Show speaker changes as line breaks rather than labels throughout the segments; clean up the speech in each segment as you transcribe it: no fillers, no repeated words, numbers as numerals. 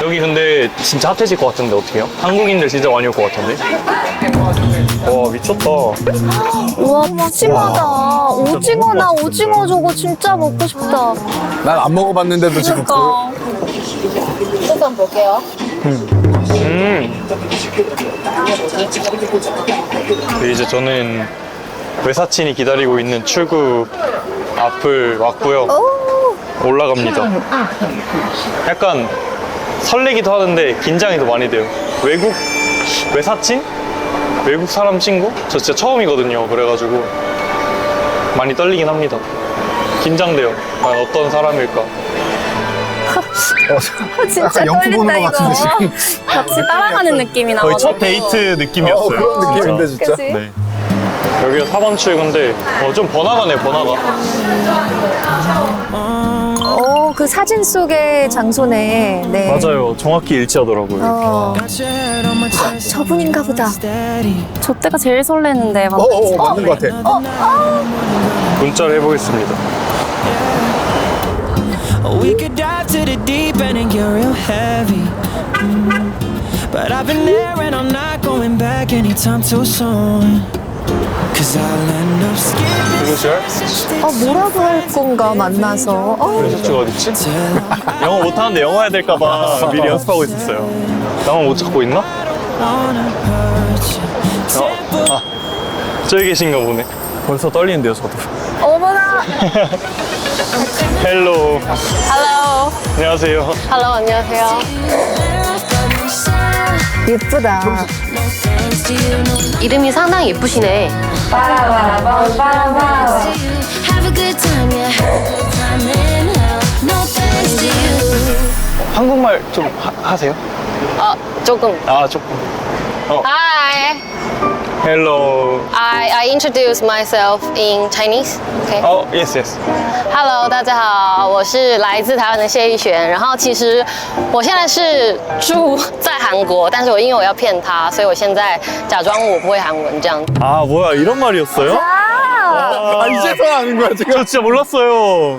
여기 근데 진짜 핫해질 것 같은데 어떡해요? 한국인들 진짜 많이 올 것 같은데? 와 미쳤다.
우와, 푸짐하다. 오징어나 오징어 저거 진짜 먹고 싶다.
난 안 먹어봤는데도 지금
그러니까. 소감 볼게요.
이제 저는 외사친이 기다리고 있는 출구 앞을 왔고요. 올라갑니다. 약간 설레기도 하는데 긴장이 더 많이 돼요. 외사친? 외국 사람 친구? 저 진짜 처음이거든요. 그래가지고 많이 떨리긴 합니다. 긴장돼요. 과연 어떤 사람일까?
진짜
약간 영국
떨린다
보는 것 같은데,
이거. 같이 따라가는 느낌이 나가지고.
거의 첫 데이트 느낌이었어요.
그런 느낌인데 진짜.
그치?
네. 여기가 4번 출구인데 좀 번화가네, 번화가.
오, 그 사진 속의 장소네. 네.
맞아요. 정확히 일치하더라고요.
저분인가 보다. 저 때가 제일 설레는데.
맞는 것 같아.
문자를 해보겠습니다.
We could dive to the deep end and get real heavy. But I've been there and I'm not going back anytime too soon. Cause I'll end up skipping
누구시요?
뭐라고 할 건가 만나서.
왼쪽가 어딨지? 영어 못하는데 영어 해야 될까봐 미리 연습하고 있었어요. 나만 못 찾고 있나?
wanna hurt you.
저기 계신가 보네. 벌써 떨리는데요, 저도.
어머나.
헬로.
Hello.
안녕하세요.
Hello, 안녕하세요.
예쁘다.
이름이 상당히 예쁘시네.
Have a good time, yeah. Time in hell. No thanks to you.
한국말 좀 하세요?
조금.
조금.
Hi.
헬로.
I introduce myself in Chinese. Okay.
yes, yes.
Hello， 大家好，我是来自台湾的谢逸璇。然后其实我现在是住在韩国，但是因为我要骗他，所以我现在假装我不会韩文这样。
뭐야, 이런 말이었어요?
이제서야 아는 거야 지금.
저 진짜 몰랐어요.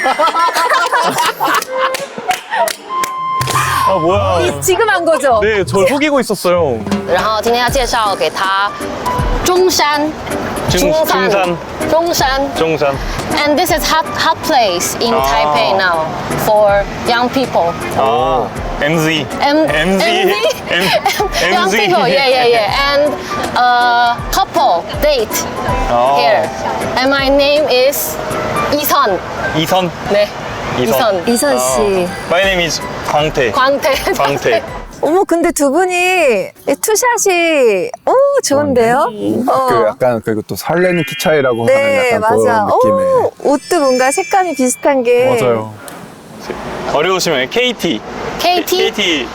뭐야.
지금 한 거죠?
네, 저 속이고 있었어요.
然后今天要介绍给他中山，
중산.
中山。
중산.
And this is hot place in Taipei now for young people.
MZ.
MZ? Young people, yeah. And couple date here. And my name is 이선.
이선.
네. 이선.
이선 씨.
My name is 광태.
광태.
광태.
어머, 근데 두 분이 투샷이 좋은데요?
그 약간 그리고 또 설레는 키 차이라고 하는
네,
약간
맞아.
그런 느낌의.
옷도 뭔가 색감이 비슷한 게.
맞아요. 어려우시면 KT.
KT.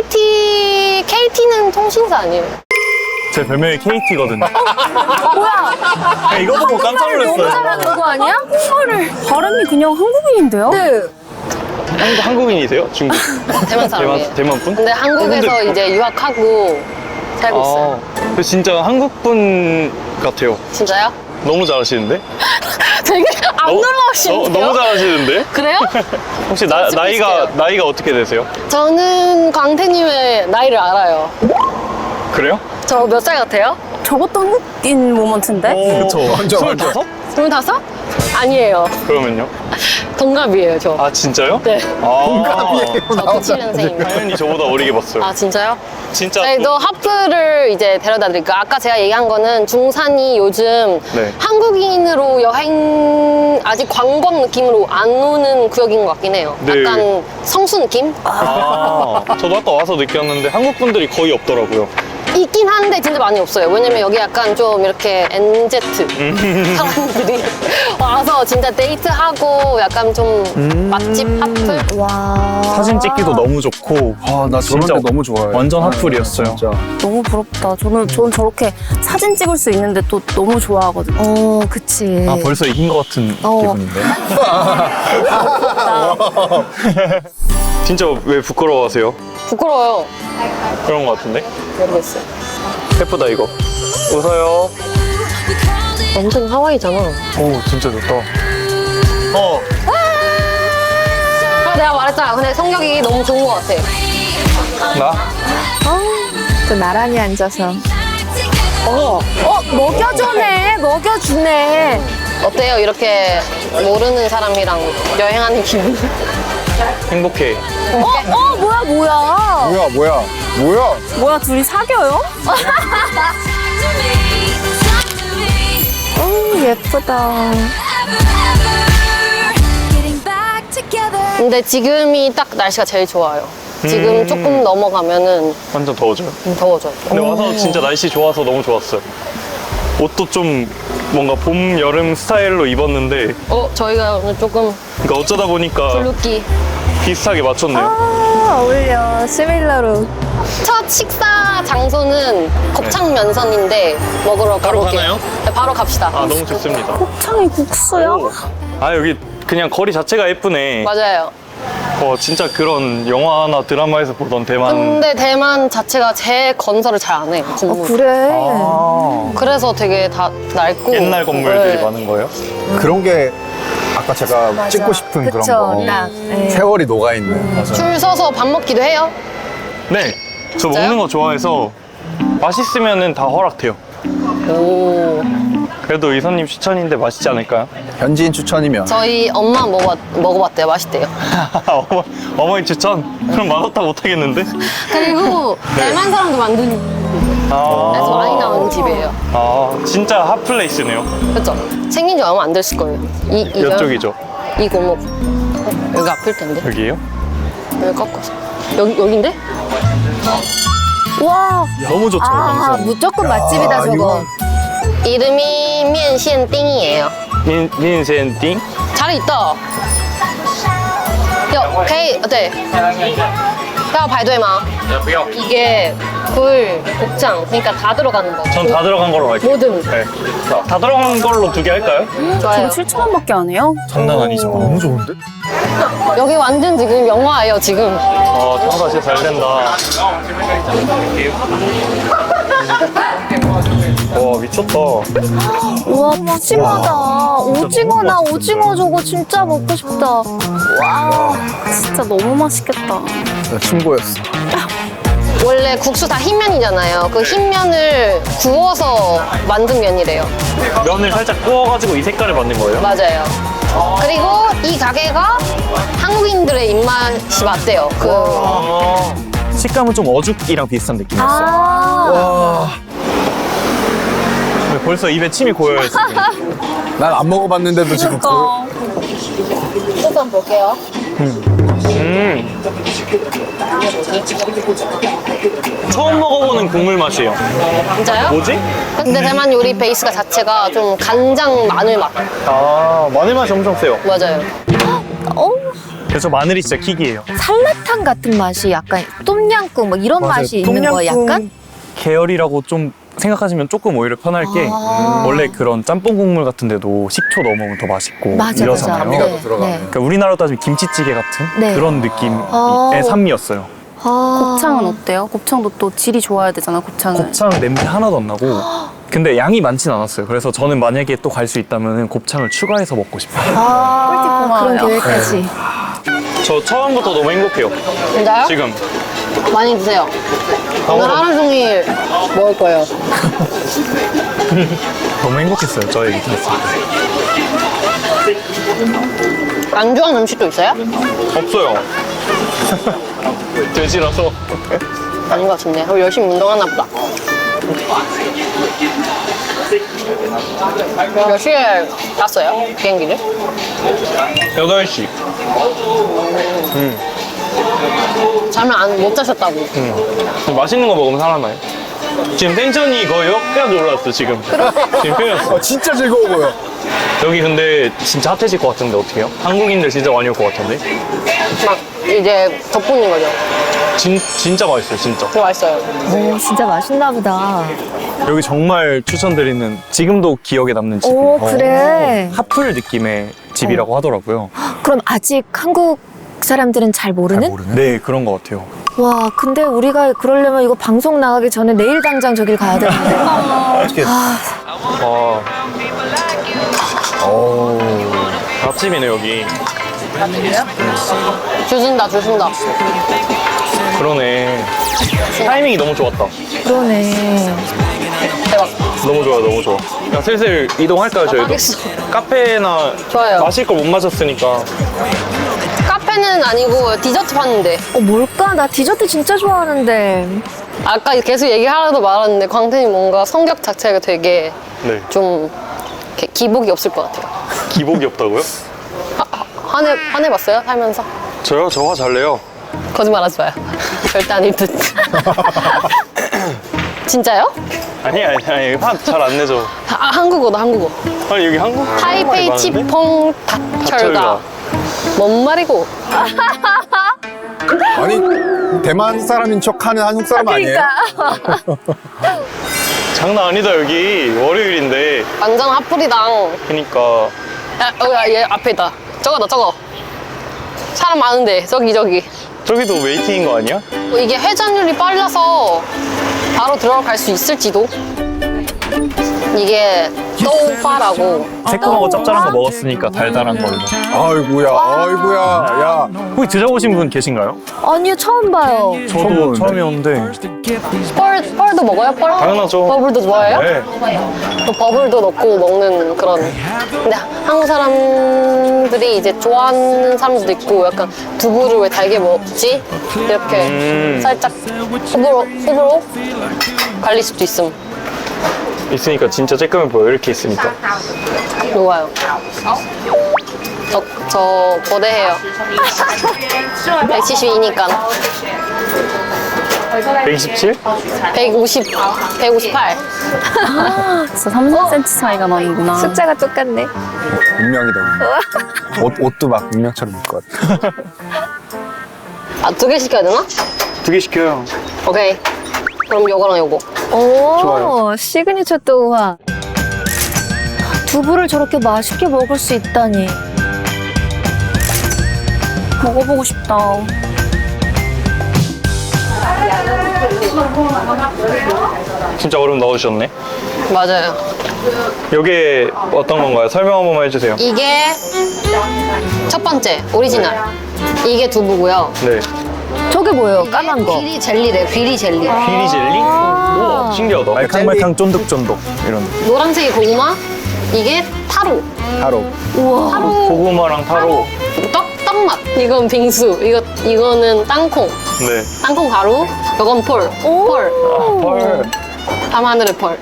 KT는 통신사 아니에요?
제 별명이 KT거든요. 뭐야? 이거 보고 깜짝
너무
놀랐어요.
잘하는 거 아니야? 한국말을.
발음이 그냥 한국인인데요?
네.
한국인이세요? 중국?
대만 사람이에요.
대만 분?
근데 한국에서 이제 유학하고 살고 있어요.
근데 진짜 한국 분 같아요.
진짜요?
너무 잘하시는데?
되게 안 놀라우시는데요?
너무 잘하시는데?
그래요?
혹시
저
나이가 어떻게 되세요?
저는 광태님의 나이를 알아요.
그래요?
저 몇 살 같아요?
저것도 한국인 모먼트인데?
그쵸.
완전,
25?
25? 아니에요.
그러면요?
동갑이에요, 저.
아 진짜요?
네.
동갑이에요.
저 97년생입니다.
당연히 저보다 어리게 봤어요.
아, 진짜요?
진짜.
저희도 하프를 이제 데려다 드릴게요. 아까 제가 얘기한 거는 중산이 요즘
네.
한국인으로 여행, 아직 관광 느낌으로 안 오는 구역인 것 같긴 해요.
네.
약간 성수 느낌?
저도 아까 와서 느꼈는데 한국 분들이 거의 없더라고요.
있긴 한데 진짜 많이 없어요. 왜냐면 여기 약간 좀 이렇게 NZ 사람들이 와서 진짜 데이트하고 약간 좀 맛집 하플?
와.
사진 찍기도 너무 좋고.
나 저런 데 너무 좋아해.
완전 핫플이었어요.
진짜.
너무 부럽다. 전 저렇게 사진 찍을 수 있는데 또 너무 좋아하거든요.
그치.
벌써 이긴 것 같은 기분인데. 진짜 왜 부끄러워하세요?
부끄러워요.
그런 것 같은데?
모르겠어요.
예쁘다 이거. 웃어요.
엄청 하와이잖아.
오 진짜 좋다.
내가 말했잖아. 근데 성격이 너무 좋은 것 같아.
나?
또 나란히 앉아서.
먹여주네. 먹여주네.
어때요? 이렇게 모르는 사람이랑 여행하는 기분?
행복해.
뭐야.
뭐야?
둘이 사겨요?
예쁘다.
Getting back together.
근데 지금이 딱 날씨가 제일 좋아요. 지금 조금 넘어가면은
완전 더워져요.
더워져요.
근데 와서 진짜 날씨 좋아서 너무 좋았어요. 옷도 좀 뭔가 봄, 여름 스타일로 입었는데
저희가 오늘 조금
그러니까 어쩌다 보니까
블루기.
비슷하게 맞췄네요.
어울려. 시밀러로.
첫 식사 장소는 곱창 면선인데 먹으러
바로
가볼게요.
가나요?
네, 바로 갑시다.
아, 너무 좋습니다.
곱창이 국수야?
아, 여기 그냥 거리 자체가 예쁘네.
맞아요.
진짜 그런 영화나 드라마에서 보던 대만.
근데 대만 자체가 재건설을 잘 안 해요. 건물.
그래.
그래서 되게 다 낡고
옛날 건물들이
네.
많은 거예요?
그런 게 아까 제가 찍고 싶은 그런
그쵸.
거.
딱. 네.
세월이 녹아있는.
줄 서서 밥 먹기도 해요.
네. 저
진짜요?
먹는 거 좋아해서 맛있으면은 다 허락돼요.
오.
그래도 이선님 추천인데 맛있지 않을까요?
현지인 추천이면.
저희 엄마 먹어봤대요. 맛있대요.
어머니 추천? 그럼 맛없다 못하겠는데?
그리고 대만 사람도 만든 데서 많이 나오는 집이에요.
진짜 핫플레이스네요.
그렇죠? 생긴 지 얼마 안 됐을 거예요.
이쪽이죠.
이 골목. 여기 앞일 텐데.
여기에요?
여기 꺾어서. 여긴데?
와.
너무 좋죠.
무조건 맛집이다, 저거.
이름이 면시엔띵이에요.
민센띵?
자리 있다. 네. 要排队吗? 이게 굴, 곱창, 그러니까 다 들어가는 거.
전 다 들어간 걸로 갈게요.
뭐든.
네. 다 들어간 걸로 2개 할까요?
좋아요.
7,000원밖에 안 해요?
장난 아니죠.
너무 좋은데?
여기 완전 지금 영화예요, 지금.
장사 진짜 잘 된다. 와, 미쳤다.
우와, 푸짐하다. 오징어나 오징어 저거 진짜 먹고 싶다. 와, 진짜 너무 맛있겠다.
충고였어.
원래 국수 다 흰면이잖아요. 그 흰면을 구워서 만든 면이래요.
면을 살짝 구워가지고 이 색깔을 만든 거예요?
맞아요. 그리고 이 가게가 한국인들의 입맛이 맞대요.
식감은 좀 어죽이랑 비슷한 느낌이었어요. 벌써 입에 침이 고여요.
난 안 먹어봤는데도 지금
소스 한번 볼게요.
처음 먹어보는 국물 맛이에요.
진짜요?
뭐지?
근데 대만 요리 베이스가 자체가 좀 간장 마늘 맛.
마늘 맛이 엄청 세요.
맞아요.
그래서 마늘이 진짜 킥이에요.
설라탕 같은 맛이 약간 똠양꿍 뭐 이런 맛이 있는 거예요, 약간?
계열이라고 좀 생각하시면 조금 오히려 편할 게 원래 그런 짬뽕 국물 같은 데도 식초 넣어먹으면 더 맛있고
맞아,
이러잖아요.
맞아.
감미가 더 들어가네.
그러니까 우리나라로 따지면 김치찌개 같은
네.
그런 느낌의 산미였어요.
곱창은 어때요? 곱창도 또 질이 좋아야 되잖아, 곱창은.
곱창 냄새 하나도 안 나고 근데 양이 많진 않았어요. 그래서 저는 만약에 또 갈 수 있다면 곱창을 추가해서 먹고 싶어요.
그런 계획까지.
저 처음부터 너무 행복해요.
진짜요?
지금
많이 드세요. 오늘 하루 종일 먹을 거예요.
너무 행복했어요. 저 얘기 들었을 때.
안 좋아하는 음식도 있어요?
없어요. 돼지라서.
아닌 것 같은데. 그럼 열심히 운동하나 보다. 몇 시에 탔어요? 비행기를?
8시.
잠을 못 자셨다고.
맛있는 거 먹으면 살아나요. 지금 텐션이 거의 역까지 올랐어, 지금. 지금 빼였어.
진짜 즐거워 보여.
여기 근데 진짜 핫해질 것 같은데, 어떻게 해요? 한국인들 진짜 많이 올 것 같은데?
막 이제 덕분인 거죠.
진짜 맛있어요, 진짜.
되게 맛있어요.
오, 진짜 맛있나 보다.
여기 정말 추천드리는, 지금도 기억에 남는 집이에요.
오, 그래.
핫플 느낌의 집이라고 하더라고요.
그럼 아직 한국 사람들은 잘 모르는?
네, 그런 것 같아요.
와, 근데 우리가 그러려면 이거 방송 나가기 전에 내일 당장 저길 가야 되는데.
맛집이네, 여기.
줄 쓴다.
그러네. 타이밍이 너무 좋았다.
그러네.
대박.
너무 좋아, 너무 좋아. 그냥 슬슬 이동할까요, 저희도?
알겠어.
카페나
좋아요.
마실 걸 못 마셨으니까.
카페는 아니고 디저트 파는데.
뭘까? 나 디저트 진짜 좋아하는데.
아까 계속 얘기하려다 말았는데 광태님 뭔가 성격 자체가 되게
네.
좀 이렇게 기복이 없을 것 같아요.
기복이 없다고요?
화내봤어요? 살면서?
저요? 저 화 잘 내요.
거짓말 하지 마요. 절대 아닐 듯. 진짜요?
아니, 화 잘 안 내죠.
한국어도 한국어.
아니, 여기 한국
타이페이
많은데?
치퐁 닭철가. 뭔 말이고?
아니 대만 사람인 척하는 한국 사람 아니에요?
장난 아니다, 여기. 월요일인데.
완전 핫플이당.
그니까.
얘 앞에 있다. 저거다 저거. 사람 많은데 저기.
저기도 웨이팅인 거 아니야?
이게 회전율이 빨라서 바로 들어갈 수 있을지도. 이게 또파라고.
새콤하고 짭짤한 거 먹었으니까 달달한 걸로.
아이고야, 아이고야, 야.
혹시 드셔보신 분 계신가요?
아니요, 처음 봐요.
저도 처음에 오는데.
펄도 먹어요? 펄?
당연하죠.
버블도 좋아해요?
네.
또 버블도 넣고 먹는 그런. 근데 한국 사람들이 이제 좋아하는 사람들도 있고 약간 두부를 왜 달게 먹지? 이렇게 살짝 호불호 갈릴 수도 있음.
있으니까 진짜 쬐끔해 보여, 이렇게 있으니까.
좋아요. 저 거대해요. 172니까.
127?
158.
진짜 3cm 차이가 나는구나.
숫자가 똑같네.
운명이다. 옷도 막 운명처럼 입을 것 같아.
아, 2개 시켜야 되나?
2개 시켜요.
오케이. 그럼 요거랑 요거.
오,
좋아요.
시그니처 또우화. 두부를 저렇게 맛있게 먹을 수 있다니.
먹어보고 싶다.
진짜 얼음 넣으셨네.
맞아요.
이게 어떤 건가요? 설명 한 번만 해주세요.
이게 첫 번째, 오리지널. 이게 두부고요.
네.
저게 뭐예요? 까만 거.
귀리 젤리래요, 귀리 젤리.
비리 젤리? 우와, 신기하다. 말캉말캉 쫀득쫀득 이런.
노란색이 고구마, 이게 타로.
하루.
고구마랑 타로.
떡맛. 이건 빙수. 이거는 땅콩.
네.
땅콩 가루. 이건 펄. 펄.
아, 펄.
밤하늘의 펄.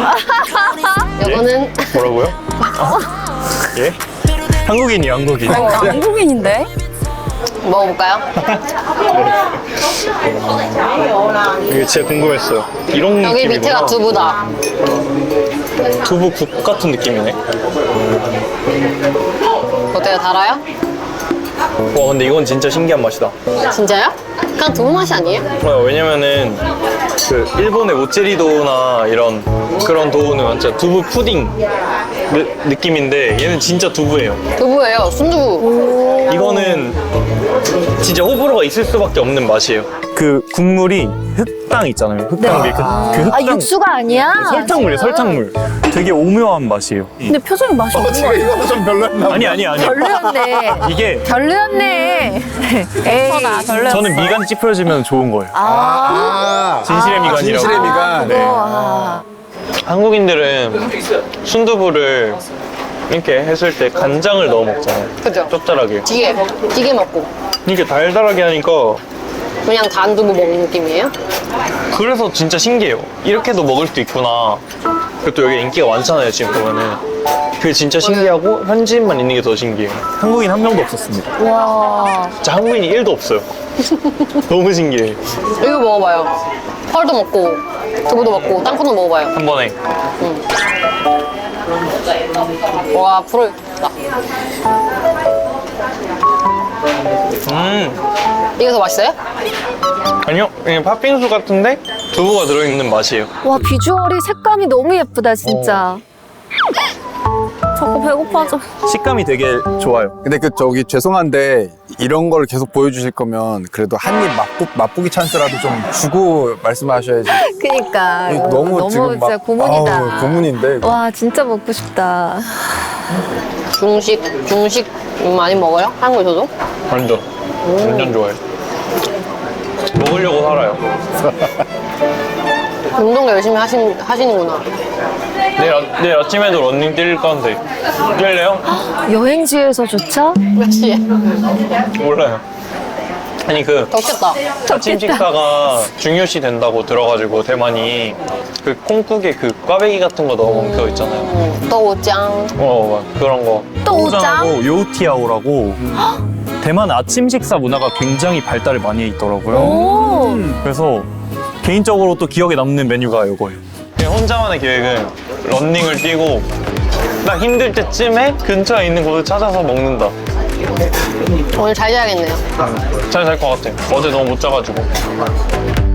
이거는
뭐라고요? 예? 한국인이요, 한국인.
한국인인데?
먹어볼까요?
이게 진짜 궁금했어요. 이런
여기
느낌이구나.
밑에가 두부다.
두부국 같은 느낌이네.
어때요? 달아요?
와, 근데 이건 진짜 신기한 맛이다.
진짜요? 그냥 두부 맛이 아니에요?
왜냐면은 그 일본의 모찌리도나 이런 그런 도우는 완전 두부 푸딩 느낌인데 얘는 진짜 두부예요.
두부예요. 순두부.
이거는 진짜 호불호가 있을 수밖에 없는 맛이에요. 그 국물이 흑당 있잖아요. 흑당 위에 그 흑당.
아, 육수가 아니야?
설탕물이에요, 설탕물. 되게 오묘한 맛이에요.
근데 표정이 맛이 없는 거
지금
같아.
이거 좀 별로였나?
아니.
별로였네.
이게
별로였네. 에이.
별로였어.
저는 미간 찌푸려지면 좋은 거예요.
아,
진실의 미간이라고.
진실의 미간.
네.
아,
한국인들은 순두부를 이렇게 했을 때 간장을 넣어 먹잖아요.
그죠?
짭짤하게.
찌개 먹고.
이렇게 달달하게 하니까
그냥 단 두부 먹는 느낌이에요?
그래서 진짜 신기해요. 이렇게도 먹을 수 있구나. 그리고 또 여기 인기가 많잖아요, 지금 보면은. 그게 진짜 신기하고 현지인만 있는 게 더 신기해요. 한국인 한 명도 없었습니다.
와.
진짜 한국인이 1도 없어요. 너무 신기해.
이거 먹어봐요. 펄도 먹고, 두부도 먹고, 땅콩도 먹어봐요.
한 번에.
와, 불을. 이게 더 맛있어요?
아니요, 그냥 팥빙수 같은데 두부가 들어있는 맛이에요.
와, 비주얼이 색감이 너무 예쁘다, 진짜.
자꾸 배고파져.
식감이 되게 좋아요.
근데 저기 죄송한데 이런 걸 계속 보여주실 거면 그래도 한 입 맛보기 찬스라도 좀 주고 말씀하셔야지.
그니까.
너무 지금 막
진짜 고문이다.
아우, 고문인데. 이거.
와, 진짜 먹고 싶다.
중식 많이 먹어요? 한국에서도?
완전 좋아요. 먹으려고 살아요.
운동 열심히 하시는구나.
내일 아침에도 런닝 뛸 건데 뛸래요?
여행지에서조차
몇 시에?
몰라요. 아니 그
덥겠다.
아침 식사가 중요시 된다고 들어가지고 대만이 그 콩국에 그 꽈배기 같은 거 넣어 먹는 거 있잖아요.
또짱.
그런 거.
또우장하고 요티아오라고 대만 아침 식사 문화가 굉장히 발달을 많이 해 있더라고요. 그래서 개인적으로 또 기억에 남는 메뉴가 이거예요.
그냥 혼자만의 계획은 런닝을 뛰고 나 힘들 때쯤에 근처에 있는 곳을 찾아서 먹는다.
오늘 잘 자야겠네요.
잘 잘 것 같아. 어제 너무 못 자가지고.